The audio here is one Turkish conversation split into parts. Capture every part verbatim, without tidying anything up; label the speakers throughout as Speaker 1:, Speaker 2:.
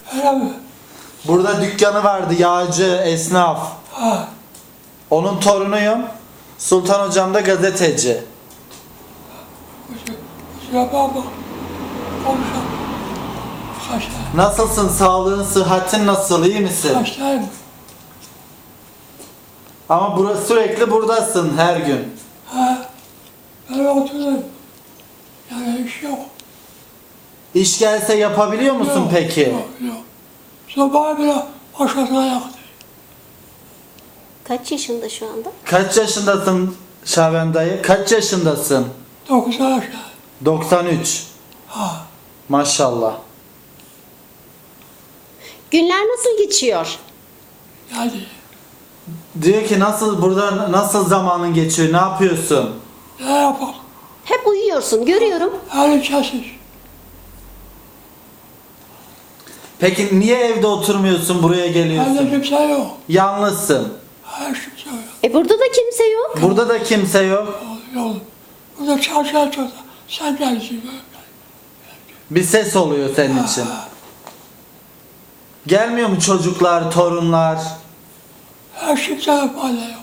Speaker 1: Öyle mi?
Speaker 2: Burada dükkanı vardı, yağcı, esnaf.
Speaker 1: Ha.
Speaker 2: Onun torunuyum. Sultan hocam da gazeteci.
Speaker 1: Kusura bakma. Konuşalım. Hastayım.
Speaker 2: Nasılsın? Sağlığın, sıhhatin nasıl? İyi misin?
Speaker 1: Hastayım.
Speaker 2: Ama burası sürekli buradasın her gün.
Speaker 1: Ha. Ben oturuyorum. Yani iş yok.
Speaker 2: İş gelse yapabiliyor musun
Speaker 1: Yok,
Speaker 2: peki?
Speaker 1: Yok, yok. Sabah bile başkasına yaktı.
Speaker 3: Kaç yaşında şu anda?
Speaker 2: Kaç yaşındasın Şaban dayı? Kaç yaşındasın?
Speaker 1: Dokuz aşağı.
Speaker 2: doksan üç.
Speaker 1: Ha.
Speaker 2: Maşallah.
Speaker 3: Günler nasıl geçiyor?
Speaker 1: Yani
Speaker 2: Diyor ki nasıl burada nasıl zamanın geçiyor? Ne yapıyorsun?
Speaker 1: ne yapalım?
Speaker 3: Hep uyuyorsun, görüyorum.
Speaker 1: Her kesiz.
Speaker 2: Peki niye evde oturmuyorsun, buraya
Speaker 1: Bende
Speaker 2: geliyorsun?
Speaker 1: kimse yok.
Speaker 2: Yalnızsın.
Speaker 1: Her kimse yok.
Speaker 3: E burada da kimse yok.
Speaker 2: Burada da kimse yok.
Speaker 1: Yok, yok. Burada çarşıya çorda. Sen gelsin.
Speaker 2: Bir ses oluyor senin için. Gelmiyor mu çocuklar, torunlar?
Speaker 1: Her kimse yok. Bende yok.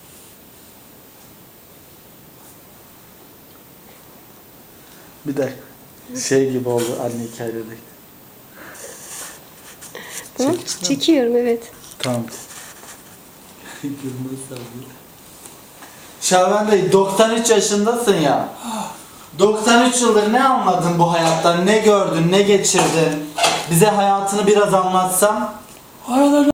Speaker 2: Bir de şey gibi oldu anne hikayedeki.
Speaker 3: Tamam, çekiyorum evet.
Speaker 2: Tamam. Şaban Bey doksan üç yaşındasın ya. doksan üç yıldır ne anladın bu hayattan? Ne gördün, ne geçirdin? Bize hayatını biraz anlatsan.
Speaker 1: Arada